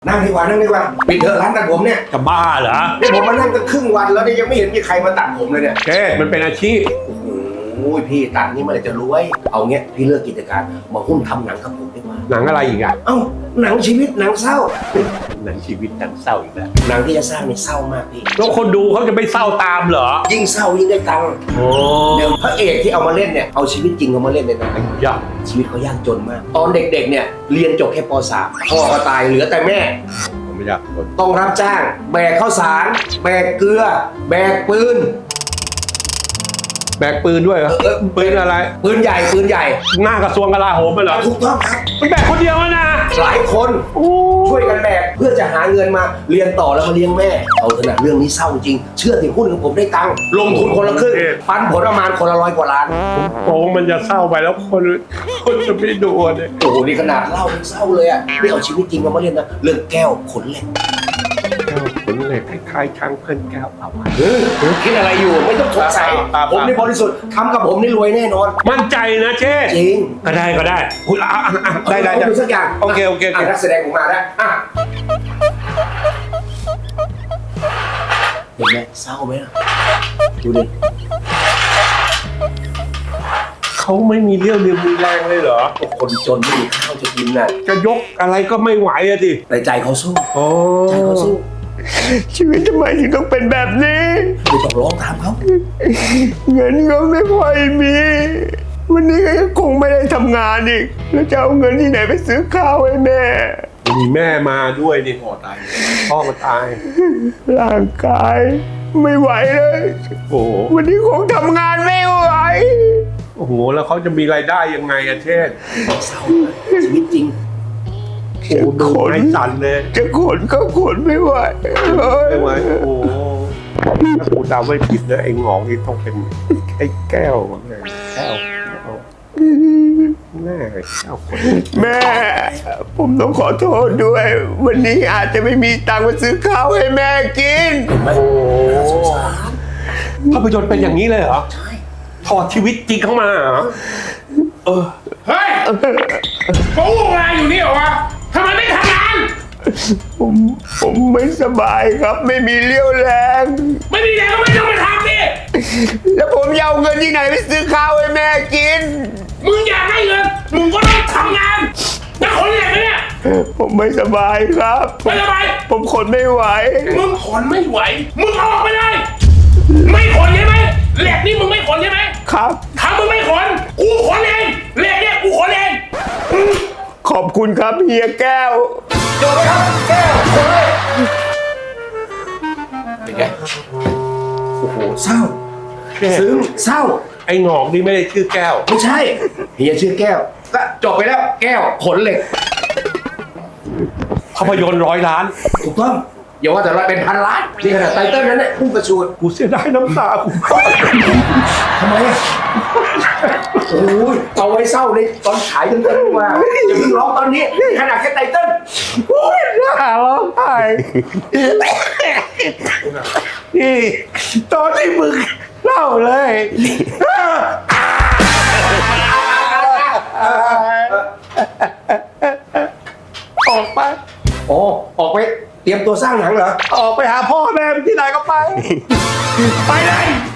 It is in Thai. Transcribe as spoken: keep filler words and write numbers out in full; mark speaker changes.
Speaker 1: นั่งดีกว่านั่งดีกว่าปิดเถอะร้านตัดผมเนี่ย
Speaker 2: จะบ้าเหรอ
Speaker 1: นี่ผมมานั่งกันครึ่งวันแล้วเนี่ยยังไม่เห็นมีใครมาตัดผมเลยเนี่ย
Speaker 2: เจ๊มันเป็นอาชีพ
Speaker 1: โอ้ยพี่ตัดนี่เมื่อไหร่จะรวยเอาเงี้ยพี่เลิกกิจการมาหุ้นทำหนังกับผมดีกว่า
Speaker 2: หนังอะไรอีกอ่ะ
Speaker 1: เอ้าหนังชีวิตหนังเศร้า
Speaker 2: หนังชีวิตหนังเศร้าอีกแล้ว
Speaker 1: หนังที่จะสร้างนี่เศร้ามากพี่
Speaker 2: แล้วคนดูเขาจะไม่เศร้าตามเหรอ
Speaker 1: ยิ่งเศร้ายิ่งได้ตังค์
Speaker 2: โอ้
Speaker 1: เดี๋ยวพระเอกที่เอามาเล่นเนี่ยเอาชีวิตจริงเอามาเล่นเลยนะ
Speaker 2: ยาก
Speaker 1: ชีวิตเขายากจนมากตอนเด็กๆเนี่ยเรียนจบแค่ป .สาม พ่อก็ตายเหลือแต่แม่
Speaker 2: ไม่ยาก
Speaker 1: ต้องรับจ้างแบกข้าวสารแบกเกลือแบกปืน
Speaker 2: แบกปืนด้วยเหรอปืนอะไร
Speaker 1: ปืนใหญ่ปืนใหญ่
Speaker 2: หน้ากระทรวงกลาโหมไปเหรอ
Speaker 1: ถูกต้องครับ
Speaker 2: มันแบกคนเดียวนะ
Speaker 1: หลายคนช่วยกันแบกเพื่อจะหาเงินมาเรียนต่อแล้วมาเลี้ยงแม่เอาขนาดเรื่องนี้เศร้าจริงเชื่อถือหุ้นของผมได้ตังค์ลงทุนคนละครึ่งปันผลประมาณคนละร้อยกว่าล้าน
Speaker 2: โอ้มันจะเศร้าไปแล้วคนคนจะไม่ดูเนี่ย
Speaker 1: โอ้โหนี่ขนาดเล่ายังเศร้าเลยอ่ะไม่เอาชีวิตจริงมาเล่นนะเรื่องแก้วขนเหล็ก
Speaker 2: แก้วขนเหล็กคล้ายๆช้างเพื่อนแก้วเอาไว้
Speaker 1: คิดอะไรอยู่ไม่ต้องสงสัยผมนี่บริสุทธิ์ทำกับผมนี่รวยแน่นอน
Speaker 2: มั่นใจนะเจ๊
Speaker 1: จริง
Speaker 2: ก็ได้ก็ได้คุณอ่ะได้ได้ได้
Speaker 1: สักอย่าง
Speaker 2: โอเคโอเค
Speaker 1: นักแสดงผมมาแล้วอ่ะเห็นไหมเศร้าไหมดูดิ
Speaker 2: เขาไม่มีเรี่ยวเรียวมีแรงเลยเหรอ
Speaker 1: คนจนไม่มีข้าวจะกินน่ะ
Speaker 2: จะยกอะไรก็ไม่ไหวอะดิ
Speaker 1: แต่ใจเขาสู้ใจเขาสู้
Speaker 2: ชีวิตทำไมถึงต้องเป็นแบบนี้
Speaker 1: ไม่ต้องร้องตามเขา
Speaker 2: เงินก็ไม่ค่อยมีวันนี้ก็คงไม่ได้ทำงานอีกแล้วจะเอาเงินที่ไหนไปซื้อข้าวให้แม่มีแม่มาด้วยนี่พ่อตายพ่อมาตายร่างกายไม่ไหวเลยโอ้วันนี้คงทำงานไม่ไหวโอ้โหแล้วเขาจะมีรายได้ยังไงอะเช่น
Speaker 1: เศร้าชีวิตจริง
Speaker 2: โอ้ดูไม้สั่นเลย
Speaker 3: จะขนก็ขนไม่ไหว
Speaker 2: ไม่ไหวโอ้ถ้ากูเดาไม่ผิดนะไอ้งอกนี่ต้องเป็นไอ้แก้วแก้วแม่แก้วคน
Speaker 3: แม่ผมต้องขอโทษด้วยวันนี้อาจจะไม่มีตังค์มาซื้อข้าวให้แม่กิน
Speaker 1: โอ้
Speaker 2: ภาพยนตร์เป็นอย่างนี้เลยเหรอใช่ถอดชีวิตจริงเข้ามาเหรอ
Speaker 4: เออเฮ้ยเขาวุ่นวายอยู่นี่เหรอวะทำไมไม่ทำงาน
Speaker 3: ผมผมไม่สบายครับไม่มีเรี่ยวแรง
Speaker 4: ไม่มีแรงก็ไม่ต้องมาทำดิ
Speaker 3: แล้วผมจะเอาเงินที่ไหนไปซื้อข้าวให้แม่กิน
Speaker 4: มึงอยากให้เงินมึงก็ต้องทำงานจะขนเหล็กไหมเนี่ย
Speaker 3: ผมไม่สบายครับ
Speaker 4: ไม่สบาย
Speaker 3: ผมขนไม่ไหว
Speaker 4: มึงขนไม่ไหวมึงออกไปเลยไม่ขนใช่ไหมเหล็กนี่มึงไม่ขนใช่ไหม
Speaker 3: ครับ
Speaker 4: ถ้ามึงไม่ขนกูขนเองเหล็กเนี่ยกูขนเอง
Speaker 3: ขอบคุณครับเฮียแก้ว
Speaker 1: จบไหมครับแก้วจบเลยเป็นไงโอ้โหเศร้าซึ้งเศร้า
Speaker 2: ไอ้งอกนี่ไม่ได้ชื่อแก้ว
Speaker 1: ไม่ใช่เฮียชื่อแก้วก็จบไปแล้วแก้วขนเหล็ก
Speaker 2: ภาพยนตร์ร้อยล้าน
Speaker 1: ถูกต้องอย่าว่าแต่ร้อยเป็นพันล้านนี่ขนาดไตเติ้ลนั้นเนี่ยพุ่งกระชูด
Speaker 2: กูเสียดายน้ำตากู
Speaker 1: ทำไมอ่ะโอ้ยเอาไว้เศร้าในตอนฉายกันกันว่าอย่าเพิ่งร้องตอนนี้ขนาดแค่ไตเติ้ล
Speaker 3: โอ้ยน่าร้องไห้นี่ตอนที่มึงเล่าเลยออกไป
Speaker 1: โอ้ออกไปเตรียมตัวสร้างหนังเหรอ
Speaker 3: ออกไปหาพ่อแม่ที่ไหนก็ไปไปเลย